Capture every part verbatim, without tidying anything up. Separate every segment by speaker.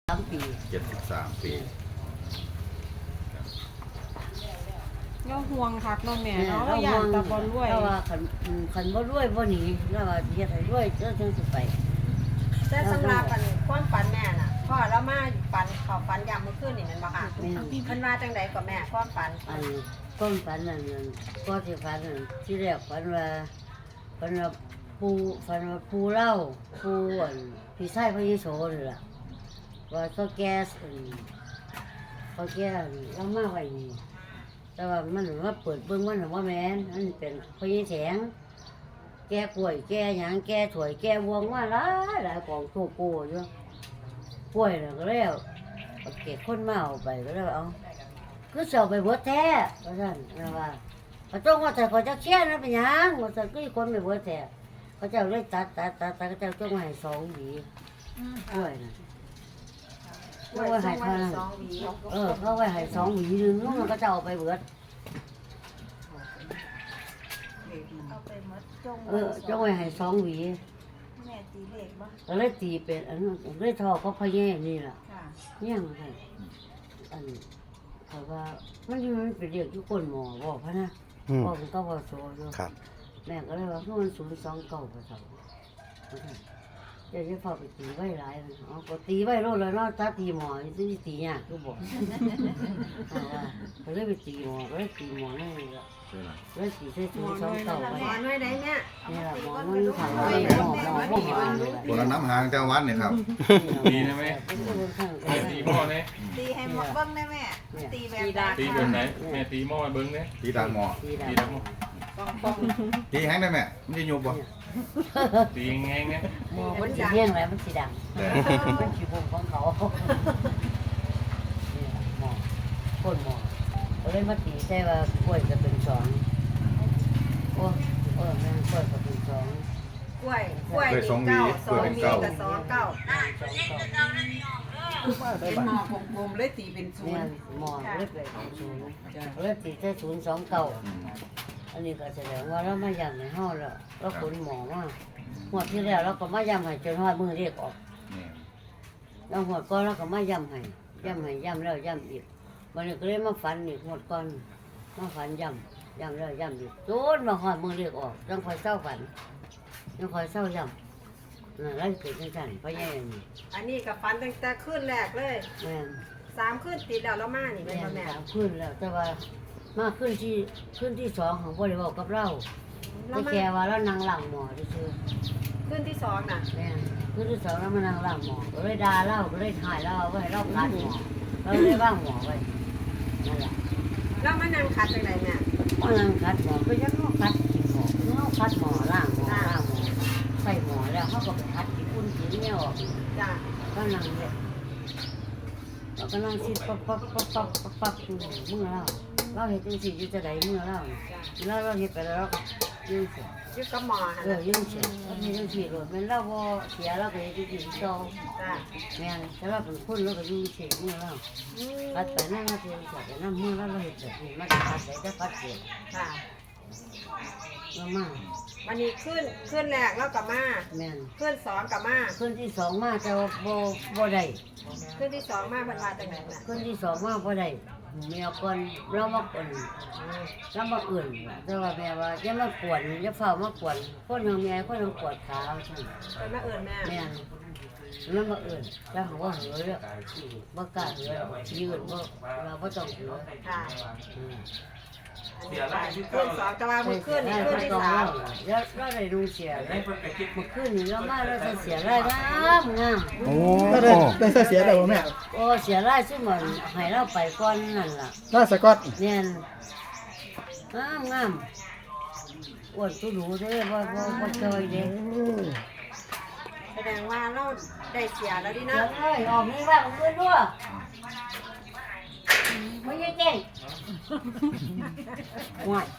Speaker 1: สามปี
Speaker 2: เจ็ดสิบสามปี
Speaker 3: เราห่วงคักน้องแม่เนาะเราอยากตะบอลรวย
Speaker 1: เราว่าขันขันบ่รวยบ่หนีเราว่าเฮ็ดให้รวยเจ้าจังสิไป
Speaker 4: แต่สำหรับอันความฝันแม่น่ะพ่อเรามาฝันเขาฝันยามเมื่อคืนนี่แมันบ่ค่ะมันมาจังไดก็แม่ความฝัน
Speaker 1: อันก้อนฝันนั่นนั่นก็สิฝันนั่นที่แรกฝันว่าฝันว่าปูฝันว่าปูเล่าปูอันพี่ชายพระเยซูนี่ล่ะว่าเขาแก่อันเขาแก่อันเรามาไว้นี่แต่ว่ามันว่าเปิดเบิ่งมันว่าแม่นอันเป็นพระเยซูแสงแก่ป่วยแก่หยังแก่ถวยแก่วงว่าหลายหลายของโตโกอยู่ป่วยแล้วก็แล้วเอาเก็บคนมาเอาไปก็แล้วเอาคือเสาไปเบิดแท้ว่าซั่นนะว่าเขาต้องว่าแต่เขาจะเชี่ยนะเป็นหยังว่าซั่นคือคนไปเบิดแท้เขาเจ้าเลยตัดตัดตัดตัดเขาเจ้าต้องให้สองหวีป่วยน่ะ
Speaker 4: ไว้ให้สองหวี
Speaker 1: เออเขาไว้ให้สองหวีนึงแล้วมันก็จะเอาไปเบิด
Speaker 4: เอาไปหมดจง
Speaker 1: เออจะไว้ให้สองหวี
Speaker 4: แม่ตีเลขบ่
Speaker 1: ก็เลยตีเป็นอันนั้นเลยทอเขาพะแย่นี่ล่ะ
Speaker 4: ค่ะ
Speaker 1: เนี่ยมันให้อันเขาว่ามันมันเป็นเรียกทุกคนหมอบอกพะนะบอกมันก็บอกโซ่อยู่
Speaker 5: ครับ
Speaker 1: แม่ก็เลยว่ามันศูนย์สองเก้าประสองเดี๋ยวจะพาไปตีไว้หลายนะอ๋อก็ตีไว้โลดเลยเนาะถ้าตีหมอจะตียากก็บอกว่าก็เลยไปตีหมอก็เลยตีหมอนั่นเลยละเลยตีใส่ศูนย์สองเก้า
Speaker 4: หม
Speaker 1: ไว้
Speaker 4: อนไว้ไหนแม่
Speaker 1: นี่ละหมอมันถามว่าหมอหมอพวกหมอเลย
Speaker 2: คนละน้ำหางเจ้าวัดเนี่ยครับ
Speaker 6: ดีนะแม่แม่ตีหม้อเนี่ย
Speaker 4: ตีให้หมดเบิ่งได้แม่ตีแบบใด
Speaker 6: ตีแบบไหนแม่ตีหม้อให้เบิ้งเนี่ย
Speaker 2: ตีตาหมอ
Speaker 1: ตี
Speaker 6: ตี
Speaker 1: ดำ
Speaker 6: แล้วหม้อ
Speaker 2: ตีแห้งได้ไหมไม่ได้ยุบบ่
Speaker 6: ตีแง่งเนี่ย
Speaker 1: หมอมันสีเงี้ยงแล้วมันสีดำ
Speaker 2: แต่
Speaker 1: เป็นขีบุงของเขาเนี่ยหมอคนหมอเขาเลยมาตีใช่ว่ากล้วยจะเป็นสองโอ้โอ้แม่กล้วยจะเป็นสอง
Speaker 4: กล้วยกล้วยนี่เก้าสองหวีกับสองเก้า
Speaker 7: เป็นหมอกลมๆเลยตีเป็นศู
Speaker 1: เนี่ย
Speaker 7: นย์
Speaker 1: หมอเล็บเลยเป็นศูนย์เล็บตีใช่ศูนย์สองเก้าอันนี้ก็แสดงว่าเราไม่ยำในห้องแล้วเราขนหมอมาหัวดที่แล้วเราก็ไม่ยำให้จนหัวมือเรียกออก
Speaker 2: นี่
Speaker 1: เราหัวดก้อนเราก็ไม่ยำให้ยำให้ยำแล้วยำอีกวันนี้ก็เลยมาฝันอีกหัวดก้อนมาฝันยำยำแล้วยำอีกโจนมาหัวมือเรียกออกยังคอยเศร้าฝันยังคอยเศร้ายำนั่นแหละเกิดจังสันเพราะยังนี่
Speaker 4: อันนี้กับฝันตั้งแต่คืนแรกเลย
Speaker 1: แม่น
Speaker 4: สามคืนติดแล้วแล้วมานี่
Speaker 1: แม่
Speaker 4: เป็นบ่
Speaker 1: น
Speaker 4: แม่
Speaker 1: สามขึ้นแล้วแต่ว่ามาขึ้นที่ขึ้นที่สองของบริวารกับเรา
Speaker 4: แล้
Speaker 1: แต่
Speaker 4: วมา
Speaker 1: แกว่าเรานั่งหลังหมอซื่อ
Speaker 4: คืนที่สองน่ะ
Speaker 1: ๆแม่นขึ้นที่สองแล้วมานั่งหลังหมอก็เลยด่าเราก็เลยถ่ายเราไว้ให้เราคัดหมอเราเลยว่างหมอไว้นั่นแหละ
Speaker 4: แล้วมานั่งคัดจังไดแม่
Speaker 1: มานั่งคัดหมอก็ยังเราคัดกินหมอเราคัดหมอล่างหมอล่างหมอใส่หมอแล้วเขาก็ไปคัดกินอุ่นกินเนี่ยออก
Speaker 4: จ้ะ
Speaker 1: ก็นั่งเลยเราก็นั่งคิดปั๊บปั๊บปั๊บปั๊บปั๊บปั๊บอยู่มือเราเราเห็นจังสิอยู่จะได้มือเราแล้วเราเห็นไปแล้วเราก็ยืนเสีย
Speaker 4: อยู่กับหมอหั่น
Speaker 1: เออ
Speaker 4: น่ะ
Speaker 1: ยืนเสียเรามีจังสิเลยมันเราบ่เสียเราก็จะกินโต
Speaker 4: จ้ะ
Speaker 1: แม่นแต่เราเป็นคนเราก็ยืนเสียมือเรา
Speaker 4: อืม
Speaker 1: ปัดไปนั่งเราเสียไปนั่งมือเราเราเห็นแบบนี้มันจะปัดไปจะปัดเสีย
Speaker 4: ค่ะ
Speaker 1: เรามา
Speaker 4: วันนี้ขึ้นขึ้นแรกแล้วกับมา
Speaker 1: แม่น
Speaker 4: ขึ้นสองกับมา
Speaker 1: คนที่สองมาจะบ่บ่ได้
Speaker 4: ขึ้นที่สองมาเพิ่นว่าจังไดแม่
Speaker 1: คนที่สองมาบ่ได้เมียก่อนเรามาก่อนเรามาอื่นแต่ว่าแม่ว่าอย่ามากวนอย่าเฝ้ามากวนคนของแม่คนของปวดขาใช่
Speaker 4: เพิ่นมาเอิ้นแม่
Speaker 1: แม่นแล้วมาอื่นแล้วเขาว่าเหลือเลยบ่กล้าเหลือยืนบ่เราบ่ต้องเหลือ
Speaker 4: ค่ะ
Speaker 1: อืม
Speaker 4: ขึ้นสองแต่ว่ามือขึ้นนี่ขึ้นที่สาม
Speaker 1: แล้วเราได้ดูเสียเลยเมื่อคืนนี้เรามาเราจะเสียรายงามงาม
Speaker 5: โอ้
Speaker 8: ก็ได้ได้เสียเสียได้บ่แม่
Speaker 1: โอ้เสียรายซึ่งมันให้เราไปก่อนนั่นล่ะ
Speaker 8: ล่าสกอต
Speaker 1: แม่นงามงามอ้วนตู้หนูเด้อบ่บ่บ่จอยเด้
Speaker 4: แสดงว่าเราได้เสียแล้วดิ
Speaker 1: เสีย
Speaker 4: เนาะ
Speaker 1: เลยออกนี่ว่าของเพิ่นด้วยบ่ยังเก่งห่วย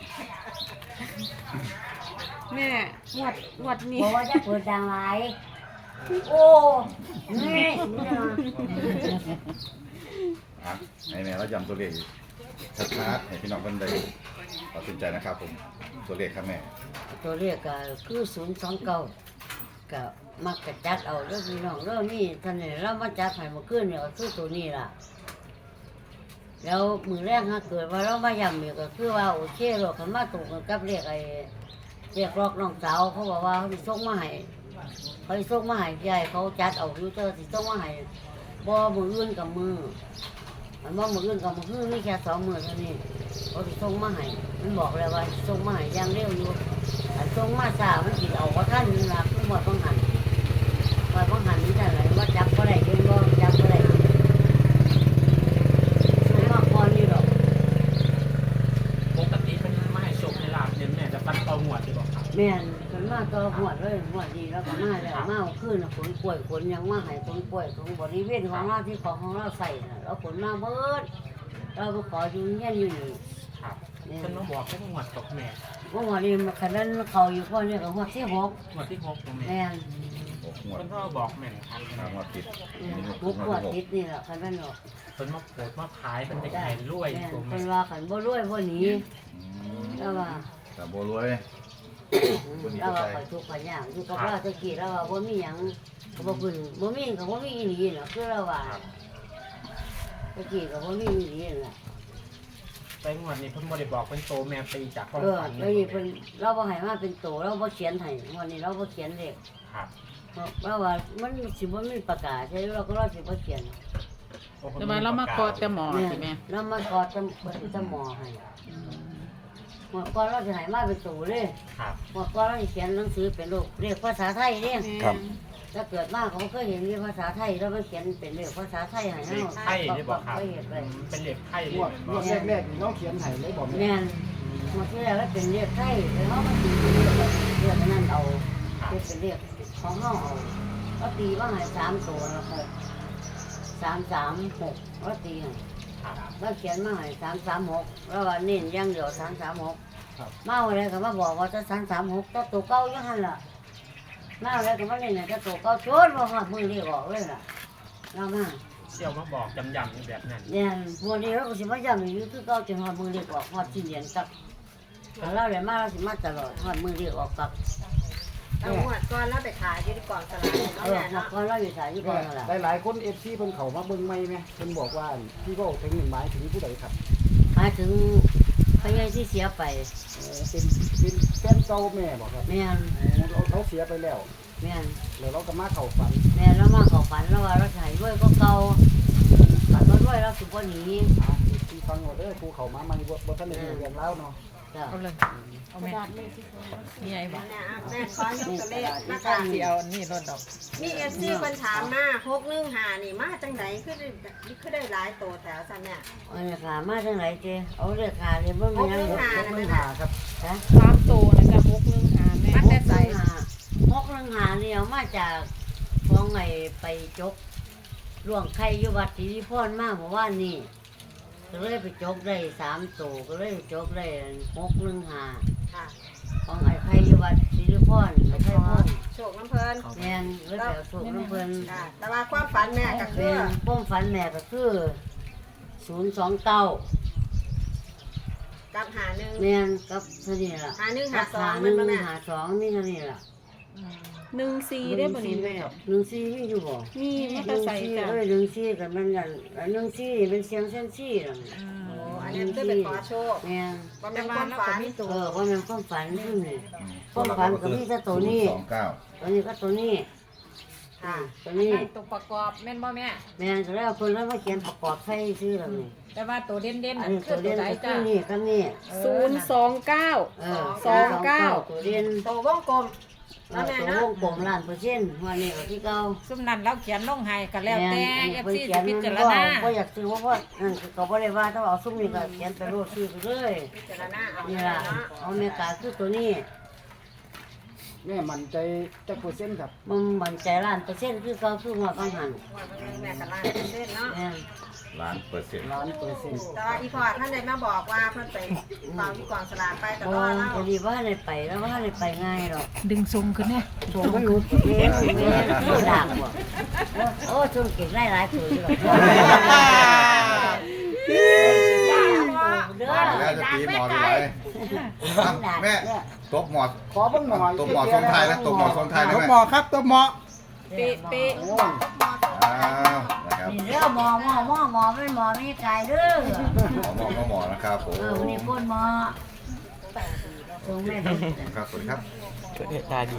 Speaker 3: แม่หวดหวดนี่
Speaker 1: บ่ว่าจะเปิดดังหลายโอ้นี่
Speaker 2: อ่ะให้แม่เราจำตัวเลขชัดๆให้พี่น้องเพิ่นได้ตัดสินใจนะครับผมตัวเลขครับแม่
Speaker 1: ตัวเลขก็คือศูนย์สองเก้าก็มักจะจัดเอาเรื่องพี่น้องเรื่องนี้ท่านนี่เรามาจัดให้เมื่อคืนเนี่ยก็คือตัวนี้ล่ะแล้วมือแรกถ้าเกิดว่าเรามาย่ำเนี่ยก็คือว่าโอเคหรอกคันมาตกกันกับเรียกไอ้เรียกรอกน้องสาวเขาบอกว่าเขาสิส่งมาให้เขาสิส่งมาให้ยายเขาจัดเอาอยู่เจอสิส่งมาให้บ่มืออื่นกับมือมันบ่มืออื่นกับมืออื่นนี่แค่สองมือเท่านี้เขาสิส่งมาให้มันบอกเลยว่าส่งมาให้อย่างเร็วอยู่อันส่งมาช้ามันสิเอาว่าท่านนี่ล่ะคือหมดต้องหันว่าต้องหันนี่แต่ไหนว่าจับก็ได้ยังบ่จับก็ได้ส่งมาก่อนนี่หรอก
Speaker 5: ปกติเป็นมาให้โชคให้ลาบเนี่ยแม่จะฟันเตาหมวดที่บอกครับ
Speaker 1: แม่นมันมาต่อหวดเลยหวดดีแล้วก็มาแล้วมาเอาขึ้นขนกล้วยขนยังมาให้ขนกล้วยของบริเวณของเราที่ของของเราใส่น่ะเราขนมาเบิดเราก็ขออยู่เงี้ยอยู่นี่
Speaker 5: ครับ
Speaker 1: เนี่ย
Speaker 5: เพิ่นมาบอกแค่หมวดกับแม่
Speaker 1: เมื่อวานนี้มันขนาดเขาอยู่พ่อเนี่ยกับหัวที่หก
Speaker 5: หมวดที่หกของแม่
Speaker 1: แม่น
Speaker 2: หกงวด
Speaker 5: เพิ่นก็บอกแม่นครับ
Speaker 2: ทางวัดติด
Speaker 1: อืมหกขวดติดนี่แหละขนาดหรอก
Speaker 5: เพิ่นมาโผล่มาขายเป็นไข่รวย
Speaker 1: แม่น
Speaker 5: ตัว
Speaker 1: เป็
Speaker 5: แม่
Speaker 1: นว่าขันบ่รวยบ่หนีแล้วว่า
Speaker 2: แต่โบรวย
Speaker 1: แล้วว่าข่อยทุกข์ข่อยยากอยู่กับเราตะกี้แล้วว่าบ่มีหยังก็บ่ขึ้นบ่มีก็บ่มีอีหลีน่ะคือเราว่าตะกี้ก็บ่มีอีหลีน่ะ
Speaker 5: ไปงวดนี้เพิ่นบ่ได้บอกเป็นโตแม่ตีจากความ
Speaker 1: เออ
Speaker 5: ฝัน
Speaker 1: แล้วนี่เพิ่นเราบ่ให้มาเป็นโตเราบ่เขียนให้วันนี้เราบ่เขียนเลข
Speaker 5: ครับ
Speaker 1: เพราะว่ามันสิบ่มีประกาศใช่เราก็เราสิบ่เขียน
Speaker 5: โอ้พิ่น
Speaker 7: แต่ว่าเรามาขอแต่หมอใช่ไหม
Speaker 1: เรามากอดจะเปิดจะหมอให้หมอก่อนเราสิให้มาเป็นโตเลย
Speaker 5: ครับ
Speaker 1: หมอก่อนเราสิเขียนหนังสือเป็นรูปเรียกภาษาไทยเด้
Speaker 8: ครับ
Speaker 1: ถ้าเกิดมาเขาเคยเห็นมีภาษาไทยเราไปเขียนเป็นเลขภาษาไทยให้
Speaker 5: เล
Speaker 1: เฮา
Speaker 5: ขไข่นี่บอกครับ
Speaker 1: ไปเฮ็ดไว้
Speaker 5: เป็นเลขไข่
Speaker 8: ง
Speaker 5: เล
Speaker 8: วด
Speaker 5: ย
Speaker 8: งวดแรกๆนี่น้องเขียนให้เลยบอกแม่
Speaker 1: แม่นหมดที่แล้วก็เป็นเลขไทยแล้วเฮามาตีเป็นเลขเรียกนั้นเอา เป็นเรียกของห้องเอาก็ตีว่าไงสามตัวแล้วหกสามสามหกก็ตีให้
Speaker 5: ครับ
Speaker 1: แล้วเขียนมาให้สามสามหกแล้วว่าเน้นอยังเดียวสามสามหกมาอะไรก็มาบอกว่าจะสามสามหกตัวตัวเก้าอยังหันล่ะมาอะไรก็มาเน้นจะตัวเก้าชนว่าหอดมือเรียกออกเลยล่ะเรามา
Speaker 5: เสี่ยวมาบอกจำๆนี่แบบนั้น
Speaker 1: เนี่ยวันนี้เราก็สิมาย้ำอยู่คือเก้าจนหอดมือเรียกออกหอดที่เหรียญกับเราเลยมาเราสิมาตลอดหอดมือเรียกออกกับ
Speaker 4: เอาหวดก่อนแล้วไปขายอยู่ที่กองสลาก
Speaker 1: เอ
Speaker 4: เนาะ
Speaker 1: อ
Speaker 4: แม่
Speaker 1: หมด
Speaker 4: เนาะ
Speaker 1: ก่อนเราอยู่สายอยู่ก่อนนั่นล่ะ
Speaker 8: หลายๆคนเอฟซีเพิ่นเข้ามาเบิ่งใหม่ไหมเพิ่นบอกว่าพี่ก็ถึงหมายถึงผู้ใดครับ
Speaker 1: หมายถึงพยายที่เสียไป
Speaker 8: เออเป็นเป็นแฟนเก่าแม่บอกครับ
Speaker 1: แม่น
Speaker 8: เขาเขาเสียไปแล้ว
Speaker 1: แม่น
Speaker 8: แล้วเราก็มาเข้าฝัน
Speaker 1: แม่นแล้วมาเขอฝันแล้วว่าเราถ่ายด้วยก็เก่าฝันว่าด้วยเราสุกว่าหนี
Speaker 8: อ่ะที่ฟังหมดเด้อครูเข้ามาใหม่บ่บ่ทันได้รู้เรื่องราวเนาะ
Speaker 1: จ้ะ
Speaker 7: เอาเลยเอาแม่นี่ไงบอก
Speaker 4: แม่อ่ะแม่ขอยกตัวเลขมาค่ะ
Speaker 7: ที่เอานี่รถดอก
Speaker 4: มีเอฟซีเพิ่นถามมาหกหนึ่งหานี่มาจังไดคือได้คือได้หลายโตแถวซั่นเนี่ย
Speaker 1: เอาเลยขามาจังไหนเจเอาเลยขาเลยเบิ่งมันยัง
Speaker 4: หก
Speaker 1: ห
Speaker 4: หนึ่
Speaker 1: ก
Speaker 4: ง
Speaker 1: ห
Speaker 4: ห้า
Speaker 1: นึ่งหาครับนะ
Speaker 3: สามตัวนะจ๊ะหกหนึ่งหาแม่
Speaker 1: หกหนึ่งหาหกหนึ่งหาเนี่ยเอามาจากของไงไปจกล่วงไข่อยู่วัดศรีพรมาเมื่อวานนี้ก็เลยไปจกได้สามตัวก็เลยจกได้หกหนึ่งหา
Speaker 4: ค่ะ
Speaker 1: ของไอ้ไข่อยู่วัดศรีพรไอ้ไข่พ่น
Speaker 4: โชคน้ำเพิ่น
Speaker 1: แม่นเลยไปเอาสูบน้ำเพิ่น
Speaker 4: ค่ะแต่ว่าความฝันแม่ก็คื
Speaker 1: เป็
Speaker 4: อน
Speaker 1: ป้มฝันแม่ก็คือศูนย์สองเก้า
Speaker 4: กับหาหนึ่ง
Speaker 1: แม่นกับเท่านี้ล่ะ
Speaker 4: หาหนึ่งหา
Speaker 1: กับ
Speaker 4: สอง
Speaker 1: ห
Speaker 4: มั
Speaker 1: นึ่
Speaker 4: น
Speaker 1: ง
Speaker 4: บ่แม่
Speaker 1: หาสองนี่เท่านี้ล่ะ
Speaker 3: หนึ่งสี่ได้บ่นี้แม่
Speaker 1: หนึ่งซี่มีอยู่บ่
Speaker 3: มีมอ
Speaker 1: ห
Speaker 3: เตอ
Speaker 1: นึ่ง
Speaker 3: ร์ไซค์
Speaker 1: ซี่
Speaker 3: จ้ะ
Speaker 1: เอ้ยหนึ่งซี่กับมันนั่นอันหนึ่งซี่เป็นเสียงเส้นซี่ล่ะ
Speaker 4: โอ้อันนี้คือเป็นขอโชค
Speaker 1: แม่น
Speaker 4: บ่แม่นความฝัน
Speaker 1: เออว่ามันความฝันนี่นี่ความฝันก็มีแต่ตัวนี้
Speaker 2: สองเก้า
Speaker 1: ตัวนี้ก็ตัวนี้
Speaker 4: ค่ะ
Speaker 1: ตัวนี้
Speaker 7: ตัวประกอบแม่นบ่แม่
Speaker 1: แม่นก็แล้วคนแล้วมาเขียนประกอบใส่ชื่อแล้วนี่
Speaker 7: แต่ว่าตัวเด่นๆ
Speaker 1: อั
Speaker 7: นั่
Speaker 1: น
Speaker 7: น
Speaker 1: นี้
Speaker 7: คื
Speaker 1: ตั
Speaker 7: อ
Speaker 1: ว
Speaker 7: ตั
Speaker 1: เด่
Speaker 7: วน ไหน
Speaker 1: ก็คื
Speaker 7: จ้ะ
Speaker 1: อนี่ก็นี่
Speaker 3: ศูนย์สองเก้า
Speaker 1: เออ
Speaker 3: สองเก้า
Speaker 1: ตัวเด่น
Speaker 4: โตวงกลม
Speaker 1: เอ
Speaker 4: แล้ว
Speaker 1: อ
Speaker 4: แม่
Speaker 1: ตัว
Speaker 4: เนาะ
Speaker 1: วงกลมล้านเปอร์เซ็นต์วันนี้ก็ที่เก่า
Speaker 7: ซุ่มนั้นเราเขียนลงให้ก็แล้วแต่
Speaker 1: ม่น
Speaker 7: เอฟ
Speaker 1: พิ่น
Speaker 7: ซี
Speaker 1: เขีย
Speaker 7: จะ
Speaker 1: น
Speaker 7: พิจาร
Speaker 1: บ่
Speaker 7: ณา
Speaker 1: บ่อยากซื้อเพราะว่านั่นคือเขาบ่ได้ว่าถ้าเอาซุ้มนี่ก็เขียนไปโลดซื้อไปเลย
Speaker 4: พิจารณาเอา
Speaker 1: นี่
Speaker 4: แม่
Speaker 1: ล่ะ
Speaker 4: เนาะ
Speaker 1: เอาแม่กาคือตัวนี้
Speaker 8: แม่มั่นใจจักเปอร์เซ็นต์ครับ
Speaker 1: มันมันใจล้านเปอร์เซ็นต์คือเก่าคือหัวกังหัน
Speaker 4: ว่าเบิ่งแม่ก็ล้านเปอร์เซ็นต์เนาะ
Speaker 1: แม่น
Speaker 2: ล้านเปอร์เซ็นต์
Speaker 8: ล้านเปอร์เซ็นต์
Speaker 4: แต่ว่าอีพอท่านได้มาบอกว่าเพิ่นไปฟังที่กองสลากไปแต่
Speaker 1: บ่
Speaker 4: ว่าเรา
Speaker 1: จะดีว่าได้ไปแล้วว่าได้ไปง่ายหรอก
Speaker 7: ดึงทรงขึ้นแน่
Speaker 1: โถมันรู้เองแม่นผู้ด่างบ่โอ้จุ่มเก็บหลายๆตัวอยู่หรอกเด้อ
Speaker 2: แล้วจะตีหมอดีไรแม่ตบหมอ
Speaker 8: ขอเบิ่งหน่อย
Speaker 2: ตบหมอทรงไทยนะตบหมอทรงไทย
Speaker 8: ต
Speaker 2: นะ
Speaker 8: บ
Speaker 2: แม่
Speaker 8: หมอครับตบหมอ
Speaker 3: เป๊ะเป๊ะ
Speaker 8: โอ้ย
Speaker 2: อ้าวนะครับ
Speaker 1: นี่เด้อหมอหมอหมอหมอเป็นหมอไม่ไกลเด้อ
Speaker 2: หมอหมอหมอนะครับผม
Speaker 1: เออวันนี้ก้นหมอตรงแม่เป็น
Speaker 2: ครับสวัสดีครับ
Speaker 5: ตาดี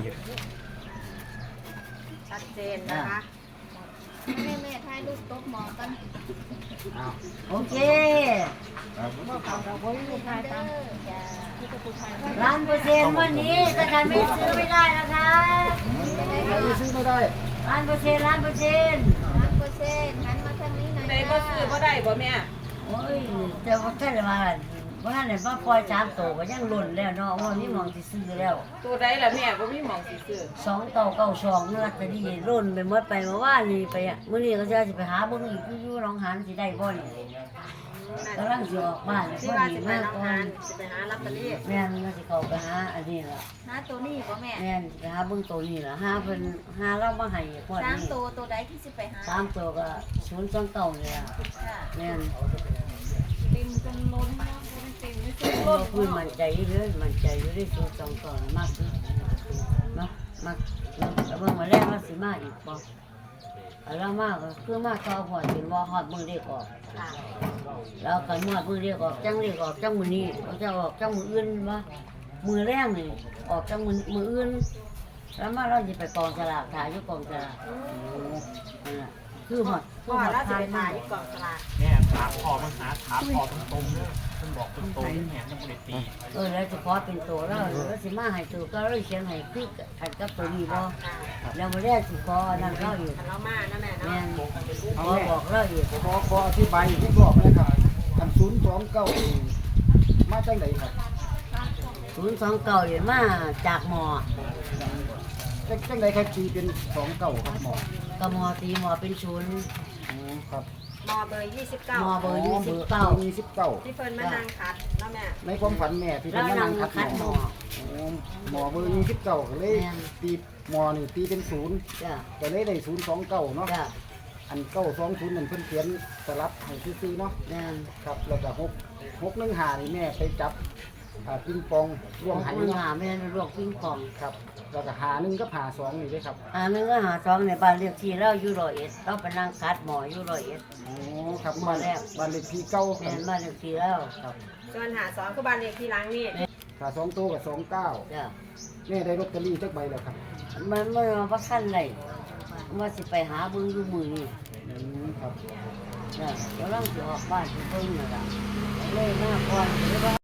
Speaker 4: ชัดเจนนะคะ
Speaker 9: แม่แม่ถ่ายรูปโต๊ะหมอกัน
Speaker 8: อ้าว
Speaker 1: โอเค
Speaker 2: ครับ
Speaker 9: เด้อจ้า
Speaker 1: ล้านเปอร์เซ็นต์วันนี้ถ้าใครไม่ซื้อไม่ได้นะคะ
Speaker 8: ใครซื้อไม่ได้
Speaker 1: ล้านเปอร์เซ็นต์ล้านเปอร์เซ็นต์
Speaker 9: ร้านเปอร์เซ็นต์หันมาทางนี้หน่อย
Speaker 3: ได้บ่ซื้อบ่ได้บ่แม่
Speaker 1: โอ้ยแต่ว่าแค่มาว่าไหนว่าปล่อยสามตัวก็ยังหล่นแล้วเนาะว่านี่มองที่ซื้อแล้ว
Speaker 3: ตัวใดล่ะแม่บ่มีหม่องสิซื้อ
Speaker 1: สองเต่าเก้าสองเนื้อแต่ดีหล่นไปเมื่อไปเมื่อวานนี่ไปอ่ะมื้อนี้ก็จะสิไปหาเบิ่งอีกอยู่หนองหานสิได้บ่นี่กำลังสิออกบ้าน
Speaker 4: ที่
Speaker 1: พอ
Speaker 4: ว่า
Speaker 1: ดี
Speaker 4: จะไป
Speaker 1: มาก
Speaker 4: รับ
Speaker 1: ก่อง
Speaker 4: าน นจะไปหาลอตเตอรี่
Speaker 1: แม่นก็สิเข้าไปหาอันนี้ล่ะ
Speaker 9: หาตัวนี้บ่แม่
Speaker 1: แม่นไปหาเบิ่งตัวนี้ล่ะหาเพิ่นหาเรามาให้พวก
Speaker 9: สาม
Speaker 1: นี้
Speaker 9: ตัวตัวใดที่สิไปหา
Speaker 1: สามตัวก็ศูนย์สองเก้านี่ล่ะ
Speaker 9: จ้า
Speaker 1: แม่น
Speaker 3: เต็มจนล้นเนาะเต็มไม่ซื้อ
Speaker 1: ก็
Speaker 3: ล้น
Speaker 1: คือมั่นใจอยู่เด้อมั่นใจอยู่ได้ศูนย์สองเก้ามากที่เนาะมากเนาะแต่เบิ่งมาแรกว่าสิมาอีกบ่อันละมากก็คือมาต่อพอจนว่าฮอดมื้อเรียกออก
Speaker 4: ค่ะ
Speaker 1: แล้วกันหมดมือเรียกออกจังเรียกออกจังมือนี้เขาจะออกจังมืออื่นวะมือแรกนี่ออกจังมือมืออื่นแล้วมาเราจะไปกองสลากถ่ายอยู่กองสลากนั่นแหละคือหมดคื
Speaker 4: พ่
Speaker 1: อ
Speaker 4: อ
Speaker 1: หมด
Speaker 4: แล้วจะ
Speaker 1: ทา
Speaker 4: ไป
Speaker 1: ย
Speaker 4: ถ่าม
Speaker 1: าย
Speaker 4: ที่กองสลาก
Speaker 5: แม่ถามพอมันหาถามพอตรงๆเด้อมันบอกตรงๆแม่ยังบ่ได้ตี
Speaker 1: เออแล้วจะขอเป็นตัวแล้วแล้วสิมาให้ตัวก็เราเขียนให้คือขันกับตัวนี้บ่
Speaker 4: ค่ะ
Speaker 1: แล้วมาแรกสิขอนั่นเราอยู่
Speaker 4: คันเรามานะแม่
Speaker 1: แม่
Speaker 4: เนาะ
Speaker 1: นขอบอกเราอยู่
Speaker 8: ขอขออธิบายอีกรอบนะครับอันศูนย์สองเก้ามาจังไหนครับ
Speaker 1: ศูนย์สองเก้าอยู่มาจากหมอ
Speaker 8: จังจังไหนครับตีเป็นสองเก้าครับหมอ
Speaker 1: กับหมอตีหมอเป็นศูนย์
Speaker 8: อ๋อครับ
Speaker 4: มอเบอร์ยี่สิบเก้า
Speaker 1: หมอเบอร์ยี่สิบเก้า
Speaker 8: ยี่สิบเก้า
Speaker 4: ที่เพิ่นมานั่งคัดเนาะแม่
Speaker 8: ในความฝันแม่ที่
Speaker 1: แล้
Speaker 8: เป็น
Speaker 1: ว
Speaker 8: มา
Speaker 1: นั่
Speaker 8: นั่
Speaker 1: ง
Speaker 8: งคัด
Speaker 1: คัด
Speaker 8: ห
Speaker 1: ห
Speaker 8: ม
Speaker 1: ม
Speaker 8: อ
Speaker 1: อ
Speaker 8: อ๋อหมอเบอร์ยี่สิบเก้าก็เลย
Speaker 1: แม่น
Speaker 8: ตีหมอนี่ตีเป็นศูนย์
Speaker 1: จ้ะ
Speaker 8: ก็เลยได้ศูนย์สองเก้าเนาะ
Speaker 1: จ้ะ
Speaker 8: อันเก้าสองศูนย์นั่นเพิ่นเขียนสลับให้ซื้อๆเนาะ
Speaker 1: แม่น
Speaker 8: ครับแล้วก็หกหกหนึ่งหานี่แม่ไปจับอ่าปิงปองรวม
Speaker 1: หั
Speaker 8: หั
Speaker 1: น
Speaker 8: น
Speaker 1: หา
Speaker 8: เนาะ
Speaker 1: แม่นลวกปิ้งปอง
Speaker 8: ครับแล้วก็หาหนึ่งก็หาสองนี่ด้วยครับ
Speaker 1: อ่านึงก็หาซองในบ้านเรียกที่เราอยู่ร้อยเอ็ดเราไปนั่งคัดหมออยู่ร้อยเอ็ด
Speaker 8: อ๋อครับ
Speaker 1: หมอ
Speaker 8: บ้าน
Speaker 1: แรก
Speaker 8: บ้านเลขที่เก้าค
Speaker 1: แม่
Speaker 8: รับ
Speaker 1: นบ้านเรียกที่แล้ว
Speaker 8: ครับ
Speaker 4: ส่วนหาสองคือบ้านเลขที่หลังนี่
Speaker 8: ถ้าสองตัวกับสองเก้า
Speaker 1: จ้ะ
Speaker 8: แม่ได้ลอตเตอรี่จักใบแล้วครับ
Speaker 1: มันมันมาพักขั้นไรว่าสิไปหาเบิ้งอยู่มือนี่
Speaker 8: อืมครับ
Speaker 1: จ้ะกำลังสิออกบ้านสิเบิ้งนั่นล่ะเลยมาก่อนเลยว่า